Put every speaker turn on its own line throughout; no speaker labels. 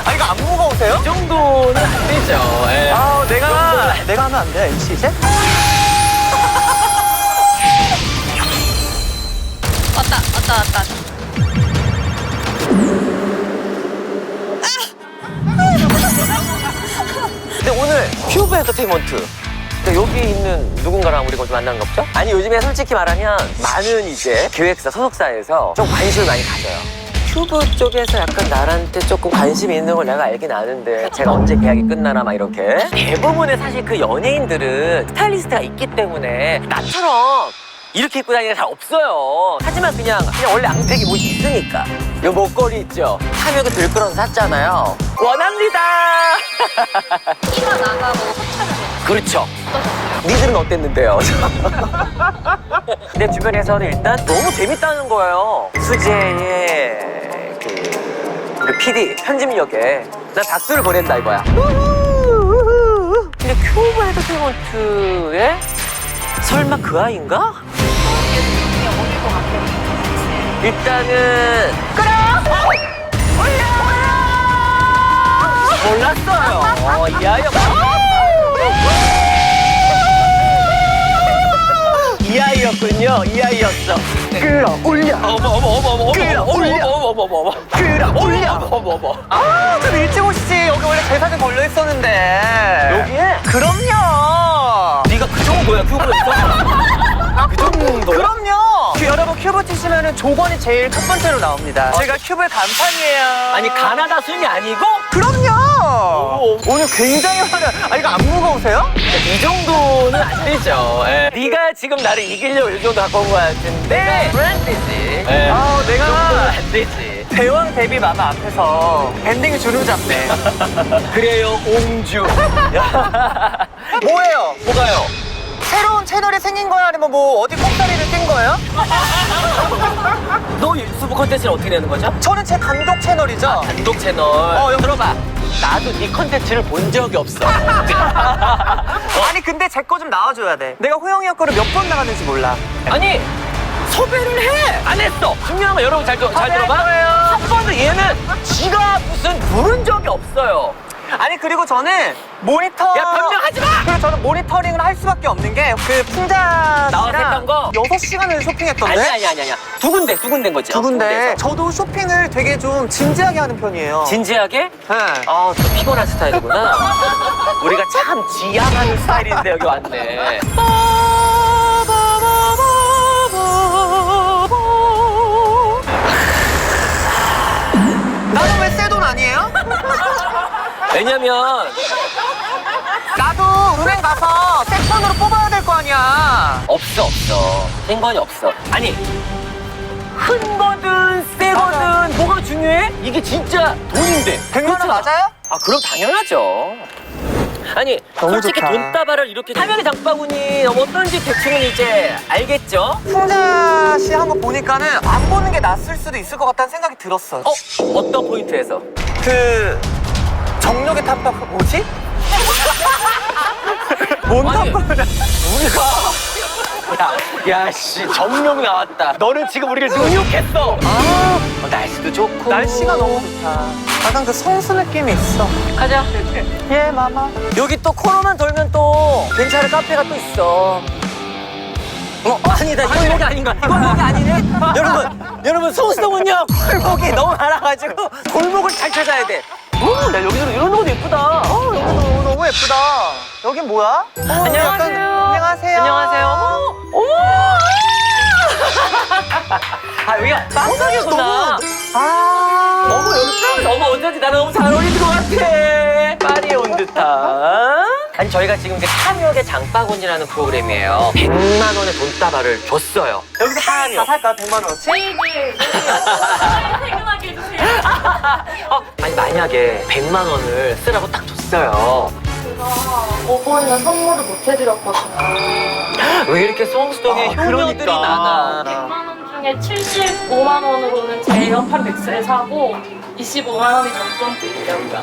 아, 이거 안 무거우세요?
이 정도는 안 되죠. 예.
아, 내가 하면 안 돼요, MC 이제?
왔다.
근데 오늘 큐브 엔터테인먼트. 그러니까 여기 있는 누군가랑 우리가 좀 만난 거 없죠? 아니, 요즘에 솔직히 말하면 많은 이제 기획사, 소속사에서 좀 관심을 많이 가져요. 큐브 쪽에서 약간 나한테 조금 관심이 있는 걸 내가 알긴 아는데 제가 언제 계약이 끝나나 막 이렇게. 대부분의 사실 그 연예인들은 스타일리스트가 있기 때문에 나처럼 이렇게 입고 다니는 게 잘 없어요. 하지만 그냥 원래 앙팩이 옷이 있으니까. 요 목걸이 있죠? 탐욕에 들끓어서 샀잖아요. 원합니다.
키가 나가고 소차를
그렇죠.
어떠셨어요?
니들은 어땠는데요? 내 주변에서는 일단 너무 재밌다는 거예요. 수재의 우리 PD 편집력에 난 박수를 보낸다 이거야. 근데 큐브 엔터테인먼트에 설마 그 아이인가?
이게 어릴 것 같아요.
일단은 몰랐어요. 이 아이가 이 아이였군요. 이 아이였어.
끌어올려.
끌어올려.
아, 좀 일찍 오시지. 여기 원래 대사가 걸려 있었는데.
여기에?
그럼요.
네가 그 정도야 큐브에서? 그 정도?
그럼요. 여러분 큐브 치시면은 조건이 제일 첫 번째로 나옵니다. 제가 큐브의 간판이에요.
아니 가나다 순이 아니고?
그럼요. 오늘 굉장히 화려. 아, 이거 안 무거우세요?
이 정도는 안 되죠. 예. 네가 지금 나를 이기려고 이 정도 갖고 온 거 같은데 안 되지. 예.
아,
이 정도는
내가
안 되지.
대왕 데뷔 마마 앞에서 밴딩이 주름 잡네.
그래요 옹주.
뭐예요?
뭐가요?
새로운 채널이 생긴 거야? 아니면 뭐 어디 콩다리를 낀 거예요?
너 유튜브 콘텐츠를 어떻게 내는 거죠?
저는 제 단독 채널이죠.
단독 채널.
여기
들어봐. 나도 네 콘텐츠를 본 적이 없어.
아니 근데 제 거 좀 나와줘야 돼. 내가 호영이 형 거를 몇 번 나갔는지 몰라.
아니 섭외를 해. 안 했어. 중요한 거 여러분 잘
섭외할
들어봐.
거예요.
한 번도 얘는 지가 무슨 부른 적이 없어요.
아니 그리고 저는 모니터.
야 변명하지 마.
그리고 저는 모니터링을 할 수밖에 없는 게 그 풍자
나와서
씨랑
했던 거?
6시간을 쇼핑했던데.
아니야. 두 군데인 거지.
두 군데.
군데에서.
저도 쇼핑을 되게 좀 진지하게 하는 편이에요.
진지하게?
네.
아, 좀 피곤한 스타일이구나. 우리가 참 지향하는 스타일인데 여기 왔네.
나는 왜 새 돈 아니에요?
왜냐면
나도 은행 가서 새 돈으로 뽑아야 될 거 아니야.
없어. 생관이 없어. 아니 큰 거든 새 거든 뭐가 중요해? 이게 진짜 돈인데.
100만 원
그렇잖아.
맞아요?
아 그럼 당연하죠. 아니
너무
솔직히
좋다.
돈다발을 이렇게 탐욕의 장바구니 어떤지 대충은 이제 알겠죠?
풍자 씨 한 거 보니까는 안 보는 게 낫을 수도 있을 것 같다는 생각이 들었어.
어떤 포인트에서?
그 정력의 탑박 뭐지? 뭔
아니,
탑박을?
우리가 야씨 정룡 나왔다. 너는 지금 우리를 능욕했어. 날씨도 좋고
날씨가 너무 좋다. 약간 그 성수 느낌이 있어.
가자.
예, 마마.
여기 또 코너만 돌면 또 괜찮은 카페가 또 있어. 아니다. 이건 여기 아닌가? 이건 여기 아니네. 여러분 성수동은요 골목이 너무 많아가지고 골목을 잘 찾아야 돼. 야 여기서 이런 곳도 예쁘다.
여기 너무 예쁘다. 여긴 뭐야? 안녕하세요.
안녕하세요. 어머. 아 여기가 빵가게구나. 어머 여기 빵 어머 어쩐지 나랑 너무 잘 어울리는 것 같아. 파리에 온 듯한. 아니 저희가 지금 이제 탐욕의 장바구니라는 프로그램이에요. 100만 원의 돈다발을 줬어요.
여기서 다 살까? 100만 원어치?
퇴근하게 해주세요.
아니 만약에 100만 원을 쓰라고 딱 줬어요.
제가 5번이나 선물을 못 해드렸거든요.
왜 이렇게 성수동에 효녀들이
그러니까.
많아?
100만 원 중에 75만 원으로는 제 에어팟 맥스를 사고 25만 원이 용돈 드리려고요.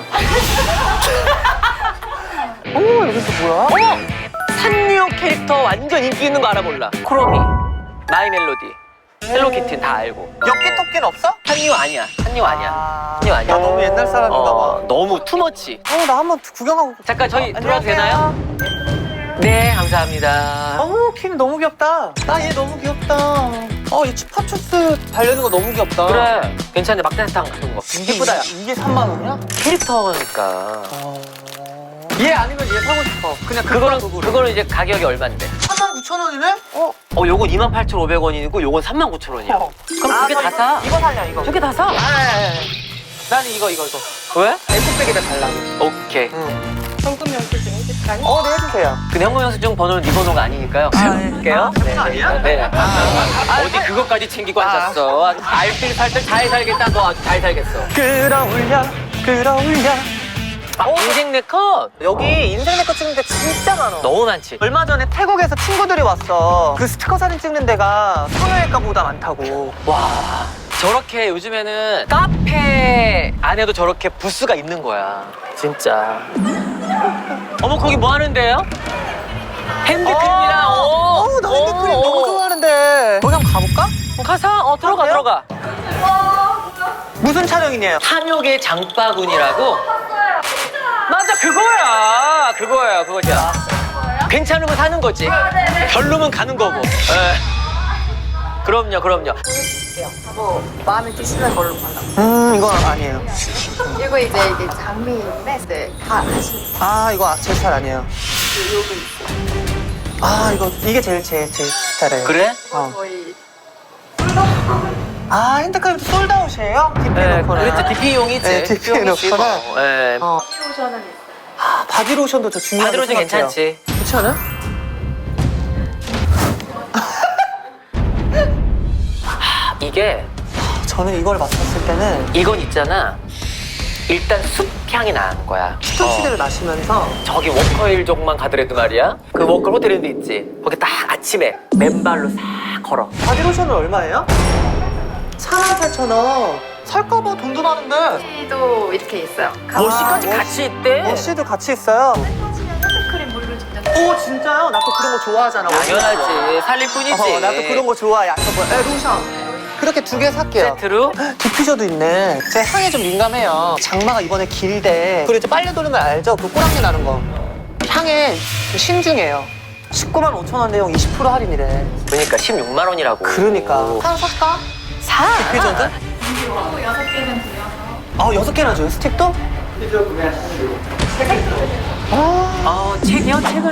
여기 또 뭐야?
산리오 캐릭터 완전 인기 있는 거 알아 몰라? 크로미, 마이 멜로디. 헬로키티 다 알고.
엽기 토끼는 없어?
한류 아니야. 한류 아니야. 한류 아니야.
나 너무 옛날 사람인가 봐.
너무 투머치.
나 한번 구경하고.
잠깐 저희 들어와도
안녕하세요.
되나요? 네, 감사합니다.
어머, 킴 너무 귀엽다. 얘 너무 귀엽다. 이 추파추스 달려있는 거 너무 귀엽다.
그래, 괜찮네. 막대사탕 같은 거.
이쁘다. 이게 3만 원이야?
캐릭터니까.
얘 아니면 얘 사고 싶어. 그냥
그거는 이제 가격이 얼마인데?
39,000원이네?
요건 28,500원이고 요건 39,000원이야. 그럼 두 개 다 사.
이거 살려, 이거.
두 개 다 사.
나는 이거.
왜?
에코백에다 달라고.
오케이.
현금 영수증 해줄까요?
네, 해주세요.
근데 현금영수증 번호는 네 번호가 아니니까요.
해줄게요.
네,
아니야?
네. 어디 그것까지 챙기고 앉았어. 알뜰살뜰 잘 살겠다. 너 아주 잘 살겠어.
끌어올려.
인생 네컷
여기 인생 내거 찍는데 진짜 많아.
너무 많지.
얼마 전에 태국에서 친구들이 왔어. 그 스티커 사진 찍는 데가 성형외과보다 많다고.
와, 저렇게 요즘에는 카페 안에도 저렇게 부스가 있는 거야. 진짜. 어머, 거기 뭐 하는데요? 핸드크림이랑,
나 핸드크림 너무 좋아하는데. 거기 한번 가볼까?
가서, 들어가.
무슨 촬영이냐?
탐욕의 장바구니라고. 맞아, 그거야. 괜찮으면 사는 거지. 별로면 가는 거고. 그럼요.
뭐 마음에 드시는 걸로 골라.
이건 아니에요.
이거 이제 이게 장미인데 네, 다 하시는
이거 제 스타일 아니에요.
요거 있어요.
이게 제일 제 스타일이에요.
그래?
거의
핸드크림도 솔드아웃이에요? DP
네,
놓거나.
그렇죠. DP용이지.
네, DP 놓거나.
네.
로션은 있어요.
바디로션도 저 중요하게
바디로션
생각해요.
괜찮지.
그렇지 않아?
이게,
저는 이걸 맡았을 때는
이건 있잖아. 일단 숲 향이 나는 거야.
스톤시대를 마시면서
저기 워커힐족만 가더라도 말이야. 그 워커 호텔인데 있지. 거기 딱 아침에 맨발로 싹 걸어.
바디로션은 얼마예요? 48,000원. 살까봐 돈도 많은데.
티도 이렇게 있어요.
워시까지
워시.
같이 있대.
워시도 같이 있어요.
핸드크림 물로 직접
오 진짜요? 나 또 그런 거 좋아하잖아.
당연하지. 살릴 뿐이지.
나 또 그런 거 좋아해. 로션. 그렇게 2개 살게요.
세트로?
디퓨저도 있네. 제 향에 좀 민감해요. 장마가 이번에 길대. 그리고 이제 빨래 돌리는 거 알죠? 그 꼬랑내 나는 거. 향에 좀 신중해요. 195,000원인데 20% 할인이래.
그러니까 16만 원이라고.
그러니까. 하나 살까?
사.
디퓨저든?
하고 6개는 드려서
6개나 줘요? 스틱도?
책이요? 책은.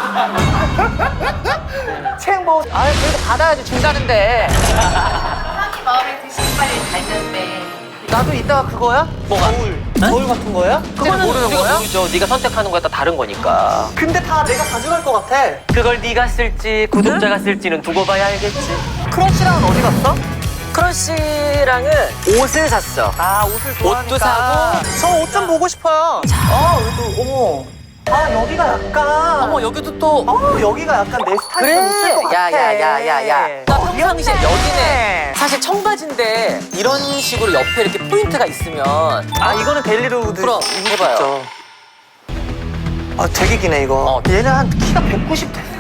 책 뭐, 그래도 받아야지 준다는데.
향이 마음에 드시는 빨리 달는데
나도 이따가 그거야?
뭐가?
거울 같은 거야?
그거는
모르는
우리가
거야?
모르죠. 네가 선택하는 거에 따라 다른 거니까.
근데 다 내가 가져갈 것 같아.
그걸 네가 쓸지 구독자가 쓸지는 두고 봐야 알겠지.
크러쉬랑은 어디 갔어?
크러쉬랑은 옷을 샀어.
옷을 좋아하니까.
옷도 사고.
저 옷 좀 보고 싶어요. 여기도, 어머. 여기가 약간.
어머, 여기도 또.
여기가 약간 내 스타일이 좀 있을 것
그래.
같아.
야야야야야. 나 평상시에
귀엽네.
여기네. 사실 청바지인데 이런 식으로 옆에 이렇게 포인트가 있으면.
이거는 데일리로우드.
그럼,
입을
해봐요.
수 있죠. 되게 기네, 이거. 얘는 한 키가 190 돼.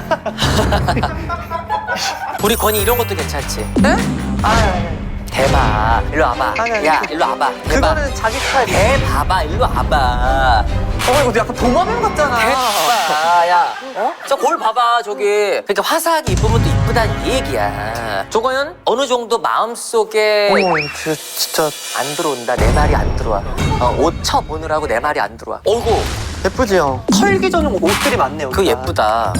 우리 건이 이런 것도 괜찮지.
네?
대봐. 일로 와봐.
아니.
야, 일로 와봐. 대봐.
그거는 자기 스타일.
대봐봐. 일로 와봐.
이거 약간 도마뱀 같잖아.
대봐. 야. 저 거울 봐봐. 저기. 그러니까 화사하게 입으면 또 이쁘다는 얘기야. 저거는 어느 정도 마음속에
진짜
안 들어온다. 내 말이 안 들어와. 옷 쳐보느라고 내 말이 안 들어와. 어이구.
예쁘지요? 털기 전용 옷들이 많네요.
그거 예쁘다.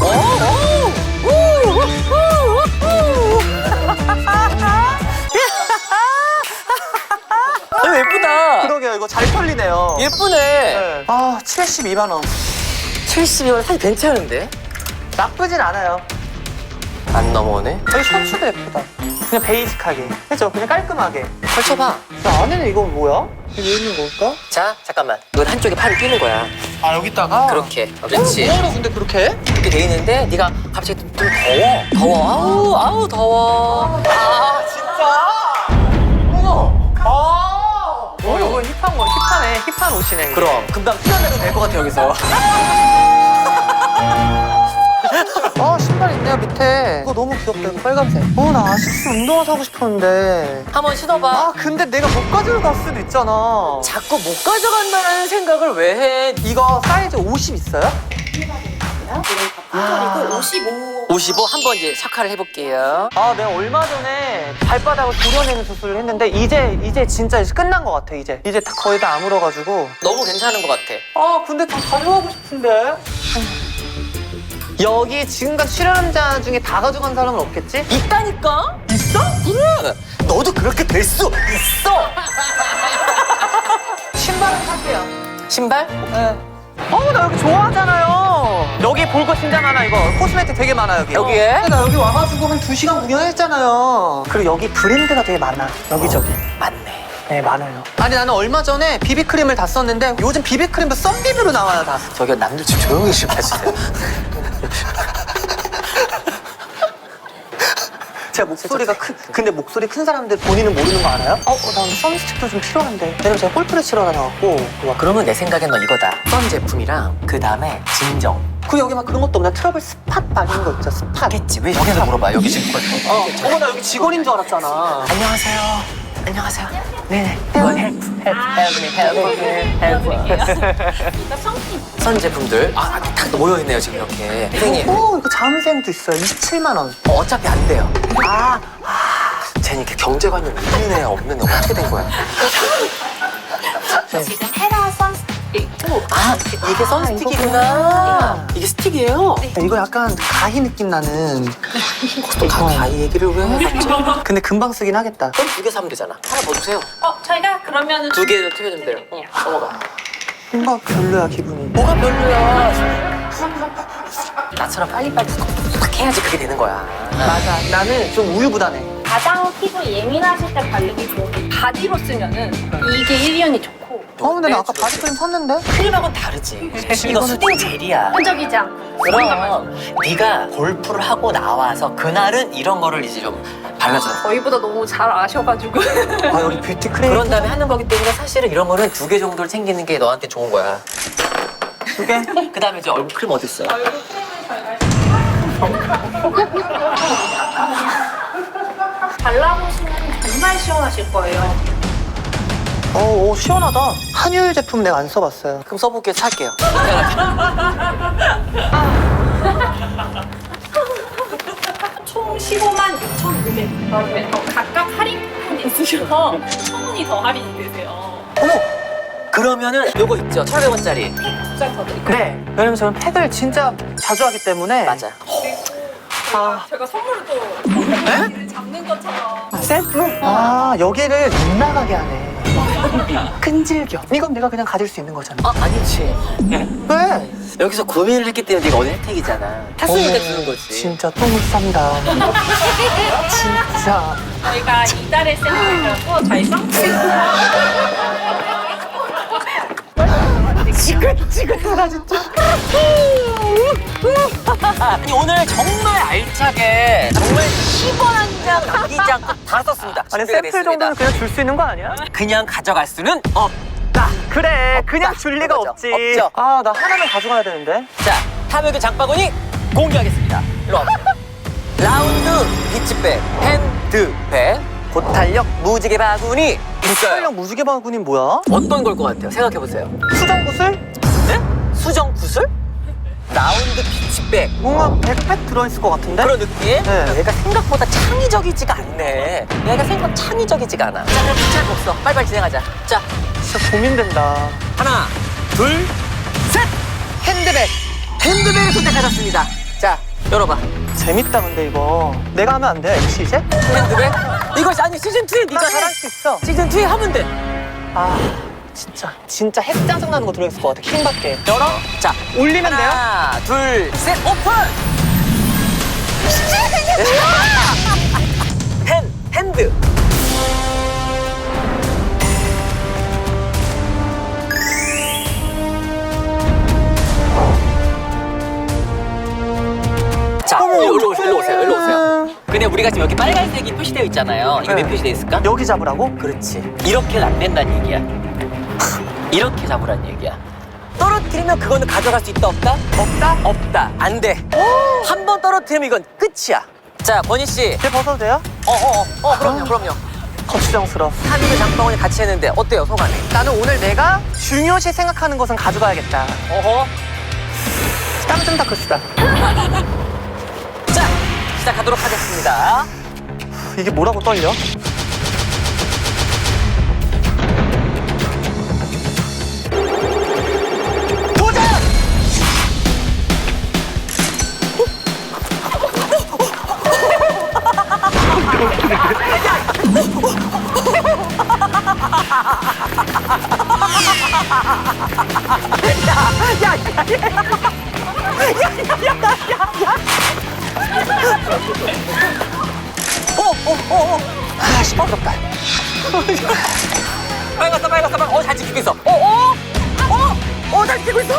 예쁘다.
그러게요. 이거 잘 털리네요.
예쁘네.
네. 72만 원.
70이면 사실 괜찮은데?
나쁘진 않아요.
안 넘어오네.
이 셔츠도 예쁘다. 그냥 베이직하게. 그죠? 그냥 깔끔하게.
펼쳐봐.
안에는 이건 뭐야? 이게 왜 있는 걸까?
자, 잠깐만. 이건 한쪽에 팔이 끼는 거야.
여기다가?
그렇게. 그렇지.
뭐하러 근데 그렇게 해?
이렇게 돼 있는데 네가 갑자기 좀 더워. 아우 더워.
진짜? 어머! 이거 힙하네. 힙한 옷이네. 이게.
그럼 금방 뛰어내도 될 것 같아 여기서.
신발 있네요 밑에. 이거 너무 귀엽다 이거 빨간색. 나 아식스 운동화 사고 싶었는데.
한번 신어봐.
근데 내가 못 가져갈 수도 있잖아.
자꾸 못 가져간다는 생각을 왜 해?
이거 사이즈 50 있어요?
55 한번 이제 삭화를 해볼게요.
내가 얼마 전에 발바닥을 도려내는 수술을 했는데 이제 진짜 끝난 것 같아 이제 다 거의 다 아물어가지고.
너무 괜찮은 것 같아.
근데 다 가져가고 싶은데. 여기 지금까지 출연자 중에 다 가져간 사람은 없겠지?
있다니까? 있어? 그래. 너도 그렇게 될 수 있어.
신발은 살게요.
신발?
네. 나 여기 좋아하잖아요. 여기 볼 거 진짜 많아 이거. 코스메틱 되게 많아 여기.
여기에?
나 여기 와가지고 한 2시간 구경했잖아요. 그리고 여기 브랜드가 되게 많아. 여기저기.
맞네.
네, 많아요. 아니 나는 얼마 전에 비비크림을 다 썼는데 요즘 비비크림도 썬비비로 나와요 다.
저기요, 남들 좀 조용히 좀 해주세요.
제가 목소리가 근데 목소리 큰 사람들 본인은 모르는 거 알아요? 난 선스틱도 좀 필요한데. 왜냐면 제가 골프를 치러 다녀갖고.
그러면 내 생각엔 너 이거다. 선 제품이랑 그 다음에 진정.
여기 막 그런 것도 없나? 트러블 스팟 바르는 거 있죠, 스팟.
하겠지. 왜 여기서 물어봐? 여기 지금.
나 여기 직원인 줄 알았잖아.
안녕하세요. 안녕하세요. 네네.
아,
선 제품들. 딱 모여있네요, 지금 이렇게. 선생님.
이거 자음생도 있어요. 27만 원.
어차피 안 돼요. 쟤는 이렇게 경제관념 있는 애야, 없는 애야. 어떻게 된 거야?
지금 헤라 선스틱 있고
이게 선스틱이구나. 이게 스틱이에요?
이거 약간 가히 느낌 나는.
또 가위 얘기를 왜 해?
근데 금방 쓰긴 하겠다.
그럼 2개 사면 되잖아. 하나 더 주세요.
저희가 그러면은
2개 튀겨주면 돼요. 넘어가.
뭔가 별로야 기분이.
뭐가 별로야? 나처럼 빨리빨리 탁 해야지 그게 되는 거야.
맞아. 나는 좀 우유부단해.
가장 피부 예민하실 때 바르기 좋은 게 바디로 쓰면은 이게 1년이 좋고
근데 나 아까 바디크림 샀는데?
크림하고는 다르지. 이거 수딩 젤이야.
끈적이지 않고
그럼 네가 골프를 하고 나와서 그날은 이런 거를 이제 좀 발라줘.
저희보다 너무 잘 아셔가지고
여기 뷰티크림.
그런 다음에 하는 거기 때문에 사실은 이런 거는 2개 정도를 챙기는 게 너한테 좋은 거야.
2개?
그 다음에 이제 얼굴 크림 어디 있어?
발라보시면 정말 시원하실 거예요.
시원하다. 한율 제품 내가 안 써봤어요.
그럼 써볼게 살게요.
총 15만 6,900원. 각각 할인 쿠폰이 있으셔서 1,000원이 더 할인이 되세요.
그러면은 요거 있죠? 1,500원짜리.
두 장 더 드릴까요?
네. 왜냐면 저는 팩을 진짜 자주 하기 때문에.
맞아요.
제가 선물을 또 잡는 것처럼
셀프? 여기를 못 나가게 하네. 끈질겨. 이건 내가 그냥 가질 수 있는 거잖아.
아니지.
왜?
여기서 고민을 했기 때문에 네가 얻은 혜택이잖아. 탔으니까 주는 거지.
진짜 똥을 싼다. 진짜.
저희가 이달의 세일이라고 저희
지긋지긋하다 진짜.
아니 오늘 정말 알차게 정말 10원 한 장 남기지 않고 다 썼습니다.
아니
준비가
샘플
됐습니다.
정도는 그냥 줄 수 있는 거 아니야?
그냥 가져갈 수는 없다.
그래 그냥 줄 리가
그거죠.
없지.
없죠.
나 하나는 가져가야 되는데.
자, 탐욕의 장바구니 공개하겠습니다. 일로 와. 라운드 비치백, 핸드백, 고탄력 무지개 바구니 있어요.
수정력 무지개 바구니는 뭐야?
어떤 걸 것 같아요? 생각해보세요.
수정구슬?
네? 수정 구슬? 라운드 비치백.
뭔가 백팩 들어있을 것 같은데?
그런 느낌?
네.
얘가 생각보다 창의적이지가 않네. 얘가 생각 창의적이지가 않아. 자, 그럼 비치할 거 없어. 빨리빨리 진행하자. 자,
진짜 고민된다.
하나, 둘, 셋!
핸드백.
핸드백을 선택하셨습니다. 자, 열어봐.
재밌다 근데 이거. 내가 하면 안 돼? MC 이제?
핸드백? 이거 아니 시즌2에 네가
나
해.
잘할 수 있어.
시즌2에 하면 돼.
진짜 핵 짜증나는 거 들어있을 것 같아. 킹받게. 열어?
자,
올리면 돼요?
하나, 둘, 셋, 오픈! 핸드. 자, 일로 오세요. 그냥 우리가 지금 여기 빨간색이 표시되어 있잖아요. 이거
네.
왜 표시되어 있을까?
여기 잡으라고?
그렇지. 이렇게는 안 된다는 얘기야. 이렇게 잡으란 얘기야. 떨어뜨리면 그거는 가져갈 수 있다 없다?
없다?
없다. 안 돼. 한 번 떨어뜨리면 이건 끝이야. 자, 권희 씨.
제 벗어도 돼요?
그럼요.
거추장스러워.
3인의 장바구니 같이 했는데 어때요, 소감이?
나는 오늘 내가 중요시 생각하는 것은 가져가야겠다.
어허.
땀좀 닦읍시다.
자, 시작하도록 하겠습니다.
이게 뭐라고 떨려? 도전! 아, 시끄럽다.
빨갛어. 잘 지키고 있어. 잘 지키고 있어.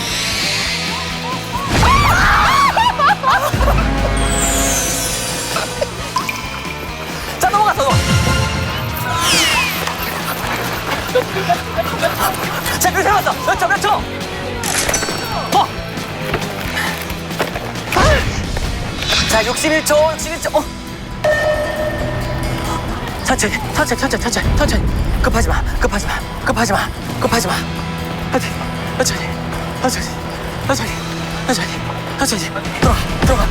자, 넘어갔어. 자, 몇 초 남았어? 몇 초? 자, 61초. 천천히. 급하지 마. 천천히. 들어가.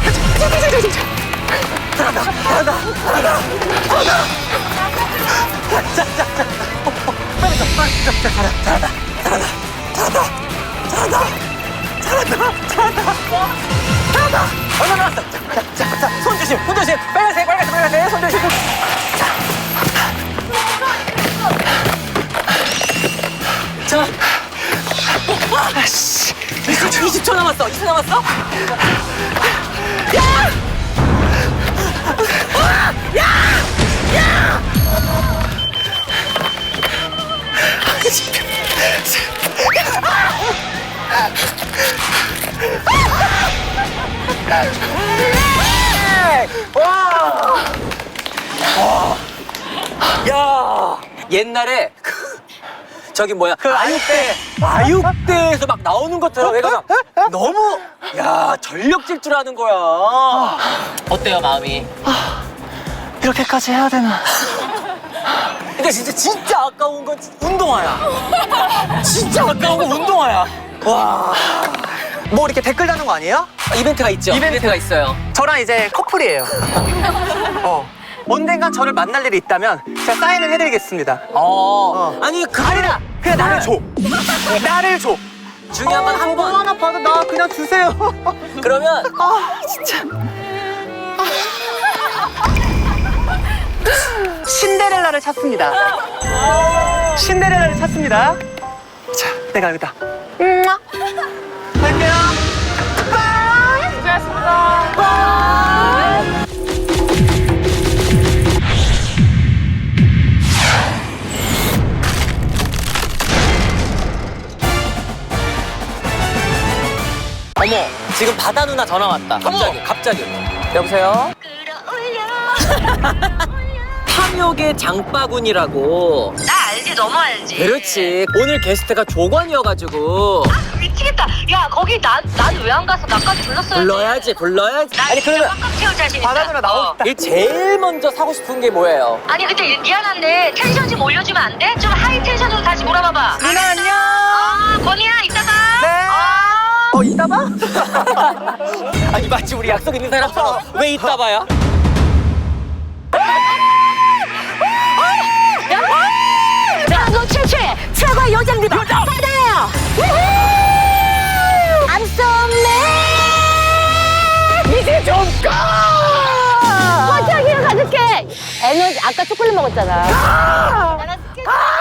잘한다. 얼마 남았어? 자, 손 조심. 빨간색, 손 조심. 자, 20초 남았어. 야, 옛날에 저기 뭐야? 아육대에서 막 나오는 것처럼 얘가 막 너무 전력 질주하는 거야. 어때요, 마음이?
이렇게까지 해야 되나?
근데 진짜 아까운 건 운동화야. 진짜 아까운 건 운동화야. 와.
뭐 이렇게 댓글 다는 거 아니에요?
이벤트가 있죠? 이벤트가 있어요.
저랑 이제 커플이에요. 언젠간 저를 만날 일이 있다면 제가 사인을 해드리겠습니다.
아니,
아니라 그냥 나를 줘. 나를 줘.
중요한 건 한
뭐
번.
하나 봐도 나 그냥 주세요.
그러면
진짜. 신데렐라를 찾습니다. 자, 내가 여기다. 갈게요.
어머, 지금 바다 누나 전화 왔다. 갑자기. 여보세요? 탐욕의 장바구니라고.
나 알지, 너무 알지.
그렇지. 오늘 게스트가 조관이어가지고.
미치겠다. 야, 거기 난 왜 안 가서 나까지 불렀어야지.
불러야지.
나
아니,
진짜
그러면
꽉꽉 채울 자신 있다.
바다 누나 나오고 싶다.
제일 먼저 사고 싶은 게 뭐예요?
아니, 근데 미안한데 텐션 좀 올려주면 안 돼? 좀 하이 텐션으로 다시 몰아봐봐.
누나 안녕.
건이야, 이따가.
네. 이따 봐?
아니, 마치 우리 약속 있는 사람처럼 왜 이따 봐요?
자, 너 최초의 최고의 요정 리더 바다예요. I'm so mad. 이제 좀 꺼. 화장실 가줄게. 에너지 아까 초콜릿 먹었잖아.